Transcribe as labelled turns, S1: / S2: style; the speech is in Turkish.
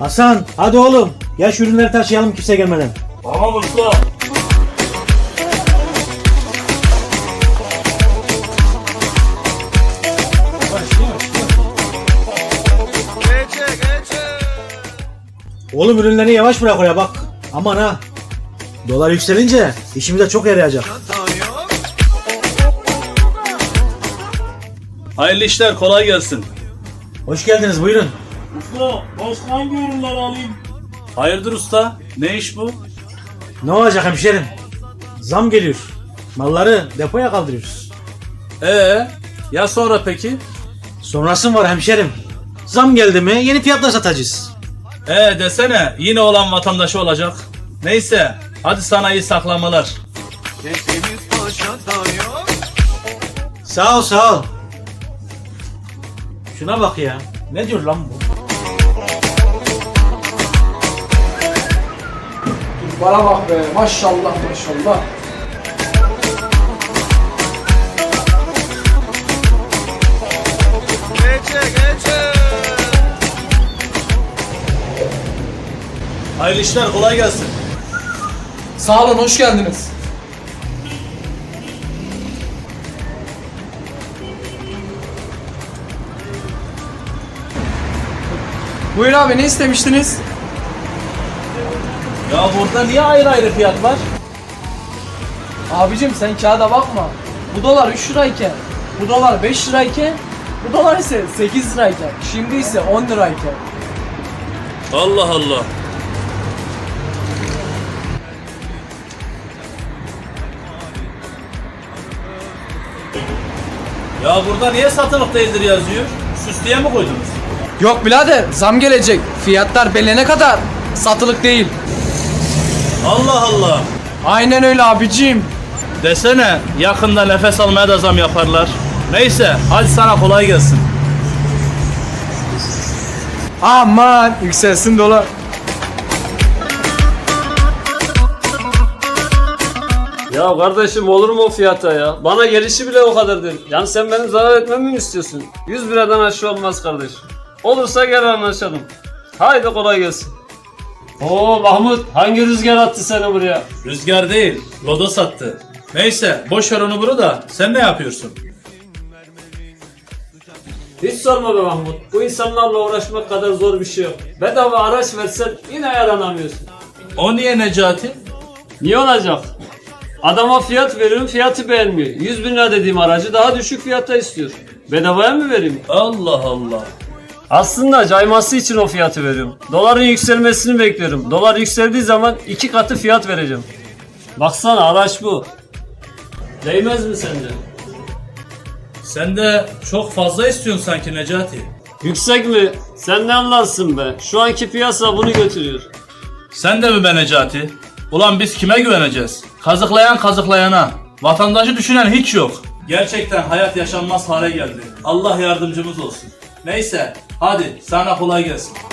S1: Hasan hadi oğlum. Ya şu ürünleri taşıyalım kimse gelmeden.
S2: Tamam usta.
S1: Oğlum ürünleri yavaş bırak oraya bak. Aman ha. Dolar yükselince işimize çok yarayacak.
S2: Hayırlı işler, kolay gelsin.
S1: Hoş geldiniz buyurun.
S2: Usta, başka hangi ürünler alayım? Hayırdır usta? Ne iş bu?
S1: Ne olacak hemşerim? Zam geliyor. Malları depoya kaldırıyoruz.
S2: Ya sonra peki?
S1: Sonrası var hemşerim. Zam geldi mi yeni fiyatla satacağız.
S2: Desene, yine olan vatandaşı olacak. Neyse, hadi sana iyi saklamalar.
S1: Sağ ol sağ ol. Şuna bak ya. Ne diyor lan bu?
S3: Bana bak be, maşallah maşallah.
S2: Hayırlı işler, kolay gelsin.
S3: Sağ olun, hoş geldiniz. Buyur abi, ne istemiştiniz?
S2: Ya burada niye ayrı ayrı fiyat var?
S3: Abicim sen kağıda bakma. Bu dolar 3 lirayken, bu dolar 5 lirayken, bu dolar ise 8 lirayken, şimdi ise 10 lirayken.
S2: Allah Allah. Ya burada niye satılık değildir yazıyor? Süslüye mi koydunuz?
S3: Yok birader, zam gelecek. Fiyatlar belirlene kadar satılık değil.
S2: Allah Allah.
S3: Aynen öyle abicim.
S2: Desene, yakında nefes almaya da zam yaparlar. Neyse, hadi sana kolay gelsin.
S3: Aman yükselsin dolar.
S4: Ya kardeşim olur mu o fiyata ya? Bana gelişi bile o kadar değil. Yani sen benim zarar etmemi mi istiyorsun? 100 liradan aşağı olmaz kardeşim. Olursa gel anlaşalım. Haydi kolay gelsin. Oo Mahmut, hangi rüzgar attı seni buraya?
S2: Rüzgar değil, lodos attı. Neyse, boş ver onu bunu da. Sen ne yapıyorsun?
S4: Hiç sorma be Mahmut. Bu insanlarla uğraşmak kadar zor bir şey yok. Bedava araç versen yine yaranamıyorsun.
S2: O niye Necati?
S4: Niye olacak? Adama fiyat veriyorum, fiyatı beğenmiyor. 100 bin lira dediğim aracı daha düşük fiyatta istiyor. Bedavaya mı vereyim?
S2: Allah Allah.
S4: Aslında cayması için o fiyatı veriyorum. Doların yükselmesini bekliyorum. Dolar yükseldiği zaman 2 katı fiyat vereceğim. Baksana araç bu. Değmez mi sence?
S2: Sen de çok fazla istiyorsun sanki Necati.
S4: Yüksek mi? Sen ne anlarsın be? Şu anki piyasa bunu götürüyor.
S2: Sen de mi be Necati? Ulan biz kime güveneceğiz? Kazıklayan kazıklayana. Vatandaşı düşünen hiç yok. Gerçekten hayat yaşanmaz hale geldi. Allah yardımcımız olsun. Neyse, hadi sana kolay gelsin.